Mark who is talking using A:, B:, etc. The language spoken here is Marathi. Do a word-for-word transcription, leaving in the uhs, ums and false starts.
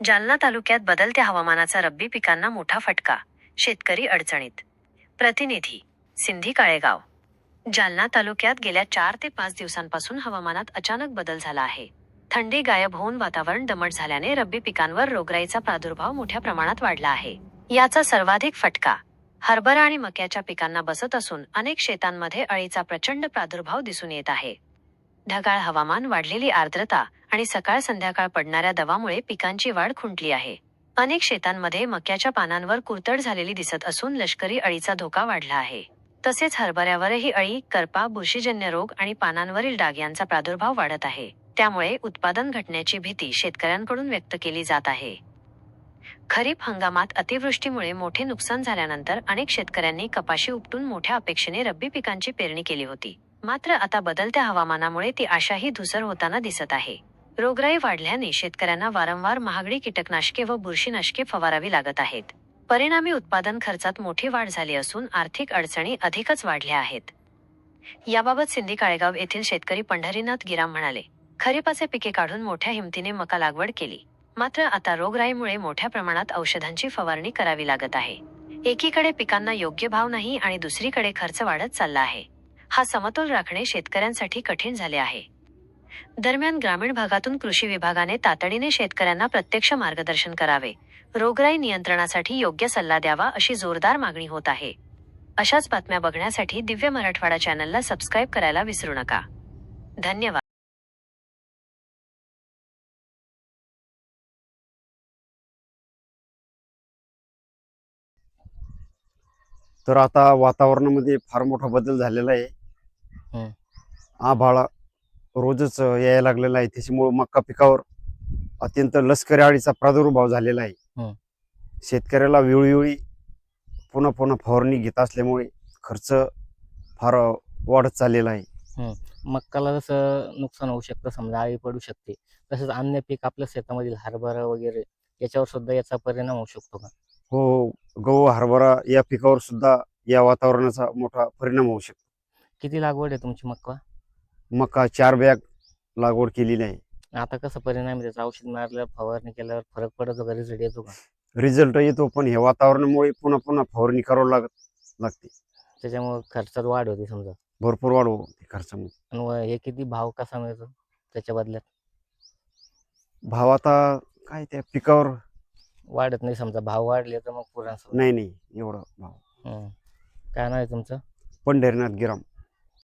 A: जालना तालुक्यात बदलत्या हवामानाचा रब्बी पिकांना मोठा फटका, शेतकरी अडचणीत. प्रतिनिधी सिंधी काळेगाव. जालना तालुक्यात गेल्या चार ते पाच दिवसांपासून हवामानात अचानक बदल झाला आहे. थंडी गायब होऊन वातावरण दमट झाल्याने रब्बी पिकांवर रोगराईचा प्रादुर्भाव मोठ्या प्रमाणात वाढला आहे. याचा सर्वाधिक फटका हरभरा आणि मक्याच्या पिकांना बसत असून अनेक शेतांमध्ये अळीचा प्रचंड प्रादुर्भाव दिसून येत आहे. ढगाळ हवामान, वाढलेली आर्द्रता आणि सकाळ संध्याकाळ पडणाऱ्या दवामुळे पिकांची वाढ खुंटली आहे. अनेक शेतांमध्ये मक्याच्या पानांवर कुरतड झालेली दिसत असून लष्करी अळीचा धोका वाढला आहे. तसेच हरभऱ्यावरही अळी, करपा, बुरशीजन्य रोग आणि पानांवरील डाग यांचा प्रादुर्भाव वाढत आहे. त्यामुळे उत्पादन घटण्याची भीती शेतकऱ्यांकडून व्यक्त केली जात आहे. खरीप हंगामात अतिवृष्टीमुळे मोठे नुकसान झाल्यानंतर अनेक शेतकऱ्यांनी कपाशी उपटून मोठ्या अपेक्षेने रब्बी पिकांची पेरणी केली होती. मात्र आता बदलत्या हवामानामुळे ती आशाही धुसर होताना दिसत आहे. रोगराई वाढल्याने शेतकऱ्यांना वारंवार महागडी कीटकनाशके व बुरशीनाशके फवारावी लागत आहेत. परिणामी उत्पादन खर्चात मोठी वाढ झाली असून आर्थिक अडचणी अधिकच वाढल्या आहेत. याबाबत सिंधी काळेगाव येथील शेतकरी पंढरीनाथ गिराम म्हणाले, खरीपाचे पिके काढून मोठ्या हिमतीने मका लागवड केली. मात्र आता रोगराईमुळे मोठ्या प्रमाणात औषधांची फवारणी करावी लागत आहे. एकीकडे पिकांना योग्य भाव नाही आणि दुसरीकडे खर्च वाढत चालला आहे. हा समतोल राखणे शेतकऱ्यांसाठी कठीण झाले आहे. दरम्यान ग्रामीण भागातून कृषी विभागाने तातडीने शेतकऱ्यांना प्रत्यक्ष मार्गदर्शन करावे, रोगराई नियंत्रणासाठी योग्य सल्ला द्यावा अशी जोरदार मागणी होत आहे. अशाच बातम्या बघण्यासाठी दिव्य मराठवाडा चॅनलला सबस्क्राईब करायला विसरू नका. धन्यवाद.
B: तर आता वातावरणामध्ये फार मोठा बदल झालेला आहे.
C: हं.
B: आभाळ रोजच यायला लागलेला आहे. त्याच्यामुळे मका पिकावर अत्यंत लष्करी अळीचा प्रादुर्भाव झालेला आहे.
C: हं.
B: शेतकऱ्याला वेळोवेळी पुन्हा पुन्हा फवारणी घेत असल्यामुळे खर्च फार वाढत चाललेला आहे.
C: हं. मक्काला जसं नुकसान होऊ शकतं, समजा अळी पडू शकते, तसंच अन्य पीक आपल्या शेतामधील हरभरा वगैरे याच्यावर सुद्धा याचा परिणाम होऊ शकतो का?
B: हो, गहू, हरभरा या पिकावर सुद्धा या वातावरणाचा मोठा परिणाम होऊ शकतो.
C: किती लागवड आहे तुमची मक्का?
B: मका चार बॅग लागवड केलेली आहे.
C: आता कसं परिणाम आहे त्याचा? औषध मारल्यावर, फवारणी केल्यावर फरक पडतो का? रिझल्ट येतो का?
B: रिझल्ट येतो, पण हे वातावरणामुळे पुन्हा पुन्हा फवारणी करावं लागत लागते.
C: त्याच्यामुळे खर्चात वाढ होते समजा.
B: भरपूर वाढ होते खर्चामध्ये.
C: आणि व हे किती भाव कसा मिळतो त्याच्या बदल्यात?
B: भाव आता काय त्या पिकावर
C: वाढत नाही समजा, भाव वाढले तर मग पुराण.
B: नाही नाही एवढा भाव.
C: हं. काय नाव आहे तुमचं?
B: पंढरीनाथ गिराम.